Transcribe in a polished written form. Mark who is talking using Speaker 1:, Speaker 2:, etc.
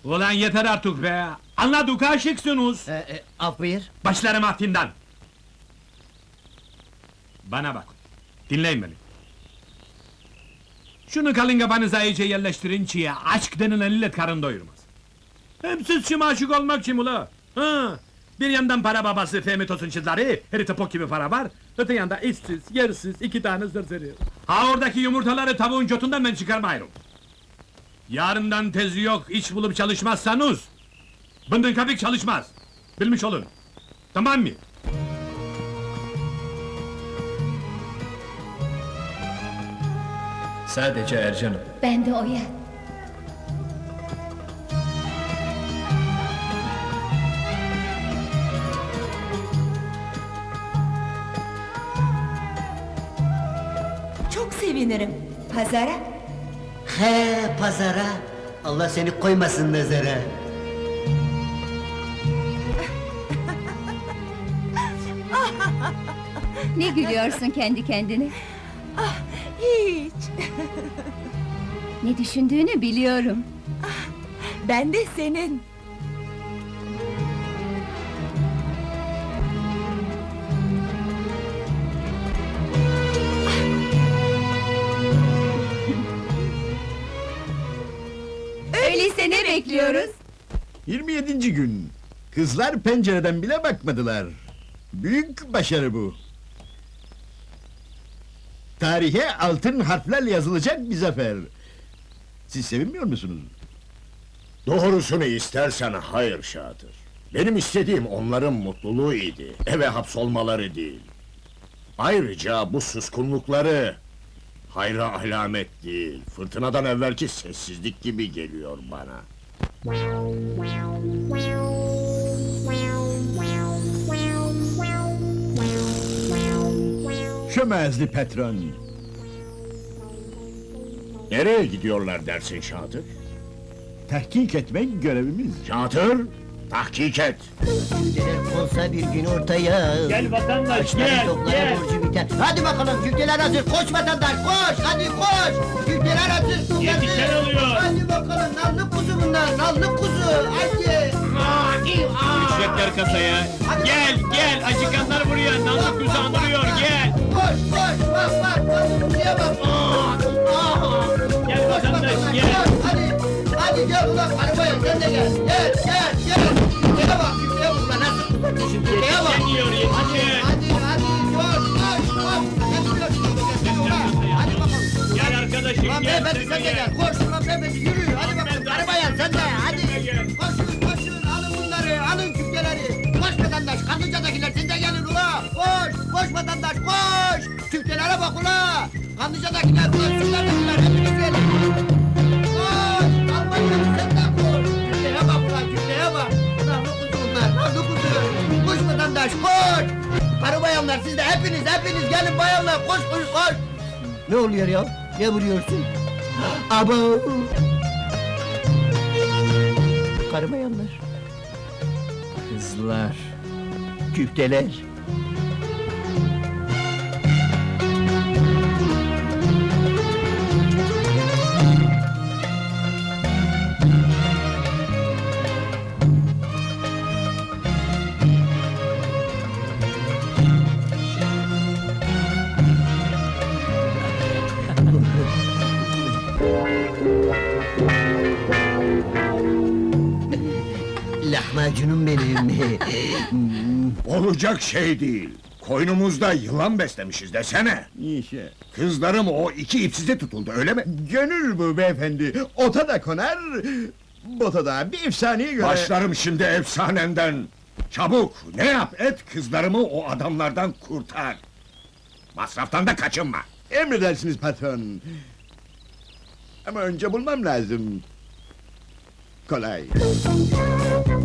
Speaker 1: Ulan yeter artık be! Anladık aşıksınız!
Speaker 2: Af buyur.
Speaker 1: Başlarım aftinden! Bana bak, dinleyin beni. Şunu kalın kafanıza iyice yerleştirin ki aşk denilen illet karın doyurmaz. Hem siz şimdi aşık olmak kim ula? Ha? Bir yandan para babası Fehmi Tosun çizleri, herite pok gibi para var. Öte yanda işsiz, yersiz, 2 tane zırzırı. Ha oradaki yumurtaları tavuğun götünden ben çıkarmayırım. Yarından tezi yok, iş bulup çalışmazsanız... ...bındın kapik çalışmaz. Bilmiş olun. Tamam mı?
Speaker 3: Sadece Ercan'ım.
Speaker 4: Ben de Oya.
Speaker 5: Çok sevinirim. Pazara?
Speaker 2: He pazara. Allah seni koymasın nazara.
Speaker 4: Ne gülüyorsun kendi kendine?
Speaker 5: Hiç.
Speaker 4: Ne düşündüğünü biliyorum.
Speaker 5: Ben de senin.
Speaker 4: Öyleyse ne bekliyoruz?
Speaker 6: 27. gün. Kızlar pencereden bile bakmadılar. Büyük başarı bu. Tarihe altın harflerle yazılacak bir zafer. Siz sevinmiyor musunuz?
Speaker 7: Doğrusunu istersen hayır Şatır. Benim istediğim onların mutluluğu idi, eve hapsolmaları değil. Ayrıca bu suskunlukları... ...hayra alamet değil, fırtınadan evvelki sessizlik gibi geliyor bana.
Speaker 6: Çömezli patron.
Speaker 7: Nereye gidiyorlar dersin Şatır?
Speaker 6: Tahkik etmek görevimiz.
Speaker 7: Şatır, tahkik et!
Speaker 2: Olsa bir gün ortaya.
Speaker 1: Gel vatandaş, gel, gel!
Speaker 2: Borcu biter. Hadi bakalım küfteler hazır. Koş vatandaş koş. Hadi koş. Küfteler hazır.
Speaker 1: Yetişen oluyor!
Speaker 2: Hadi bakalım nallı kuzu bunlar. Nallı kuzu. Hadi.
Speaker 1: Ücretler kasaya! Gel, gel! Acıkanlar buraya! Namlık kuzu andırıyor, gel!
Speaker 2: Koş koş. Bak bak. Nallı kuzuya bak.
Speaker 1: Gel vatandaş, gel!
Speaker 2: Hadi. Hadi gel ulan arabaya sen de gel. Gel gel gel. Küfteye bak. Küfteye bak. Lan nasıl tutuyorsun? Küfteye bak.
Speaker 1: Yetişemiyor, yetişin!
Speaker 2: Hadi hadi. Koş koş koş. Hadi bakalım.
Speaker 1: Gel arkadaşım,
Speaker 2: Ulan
Speaker 1: gel!
Speaker 2: beyefendi sen de gel, koş ulan beyefendi yürü, hadi bakalım, arabaya sen de, hadi! Koşun, koşun, alın bunları, alın küfteleri! Koş vatandaş, Kanlıca'dakiler siz de gelin ula! Koş, koş vatandaş, koş! Küftelere bak ula! Kanlıca'dakiler, Ulaşçılardakiler, hepiniz gelin! Koş, Almanya'lı sen de koş! Küfteye bak ulan, küfteye bak! Nahlı kuzu bunlar, nahlı kuzu! Koş vatandaş, koş! Karı bayanlar siz de hepiniz gelin bayanlar, koş koş koş! Ne oluyor ya? Ne vuruyorsun? Abo! Karı bayanlar,
Speaker 3: Kızlar.
Speaker 2: küfteler. Lahmacunum benim.
Speaker 7: Olacak şey değil! Koynumuzda yılan beslemişiz desene!
Speaker 6: İşte.
Speaker 7: Kızlarım o 2 ipsize tutuldu, öyle mi?
Speaker 6: Gönül bu beyefendi. Ota da konar, bota da bir efsaneye göre...
Speaker 7: Başlarım şimdi efsanenden! Çabuk, ne yap et, kızlarımı o adamlardan kurtar! Masraftan da kaçınma!
Speaker 6: Emredersiniz patron. Ama önce bulmam lazım. Kolay.